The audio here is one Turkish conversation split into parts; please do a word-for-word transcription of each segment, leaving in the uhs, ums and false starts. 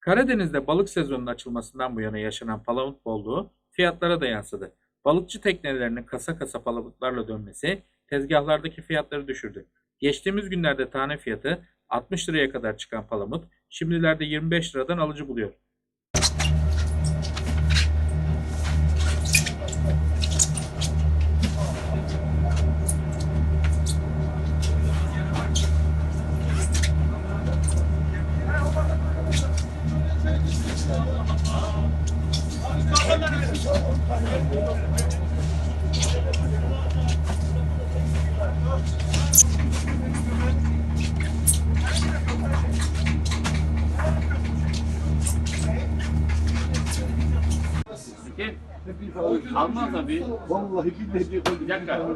Karadeniz'de balık sezonunun açılmasından bu yana yaşanan palamut bolluğu fiyatlara da yansıdı. Balıkçı teknelerinin kasa kasa palamutlarla dönmesi tezgahlardaki fiyatları düşürdü. Geçtiğimiz günlerde tane fiyatı altmış liraya kadar çıkan palamut şimdilerde yirmi beş liradan alıcı buluyor. Gel. Almaz abi. Vallahi billahi Bir dakika.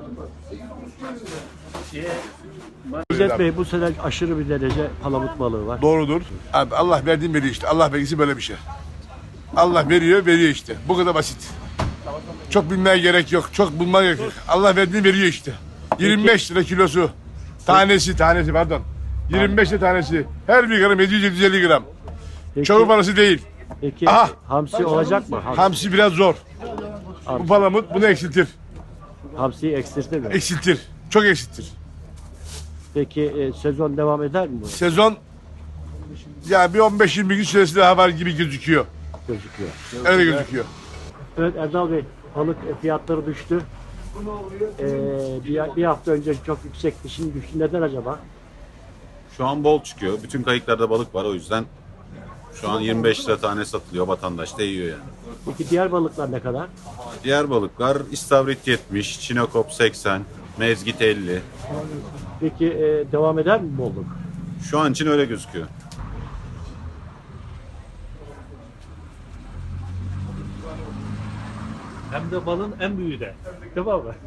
Şey, İzzet Bey, bu sene aşırı bir derece palamut balığı var. doğrudur. Abi Allah verdiğin veriyor işte. Allah vergisi böyle bir şey. Allah veriyor, veriyor işte. Bu kadar basit. Çok bilmeye gerek yok. Çok bulmaya gerek yok. Allah verdiğini veriyor işte. yirmi beş lira kilosu. Tanesi, tanesi pardon. yirmi beş lira tanesi. Her bir gram yedi yüz yedi yüz elli gram. Peki, Çoğu parası değil. peki Aha! hamsi olacak mı? Hamsi, Hamsi biraz zor. Bu palamut bunu eksiltir. hamsiyi eksiltir mi? Eksiltir. Çok eksiltir. Peki e, sezon devam eder mi bu? Sezon ya bir on beş yirmi gün süresi daha var gibi gözüküyor. Gözüküyor. Öyle gözüküyor. Evet Erdal Bey, balık fiyatları düştü. Ee, bir, bir hafta önce çok yüksekti, şimdi düştü. Neden acaba? Şu an bol çıkıyor. Bütün kayıklarda balık var, o yüzden şu an yirmi beş lira tane satılıyor. Vatandaş da yiyor yani. Peki diğer balıklar ne kadar? Diğer balıklar istavrit yetmiş, çinekop seksen, mezgit elli. Peki e, devam eder mi bolluk? Şu an için öyle gözüküyor. Hem de balın en büyüğü de. Tamam mı?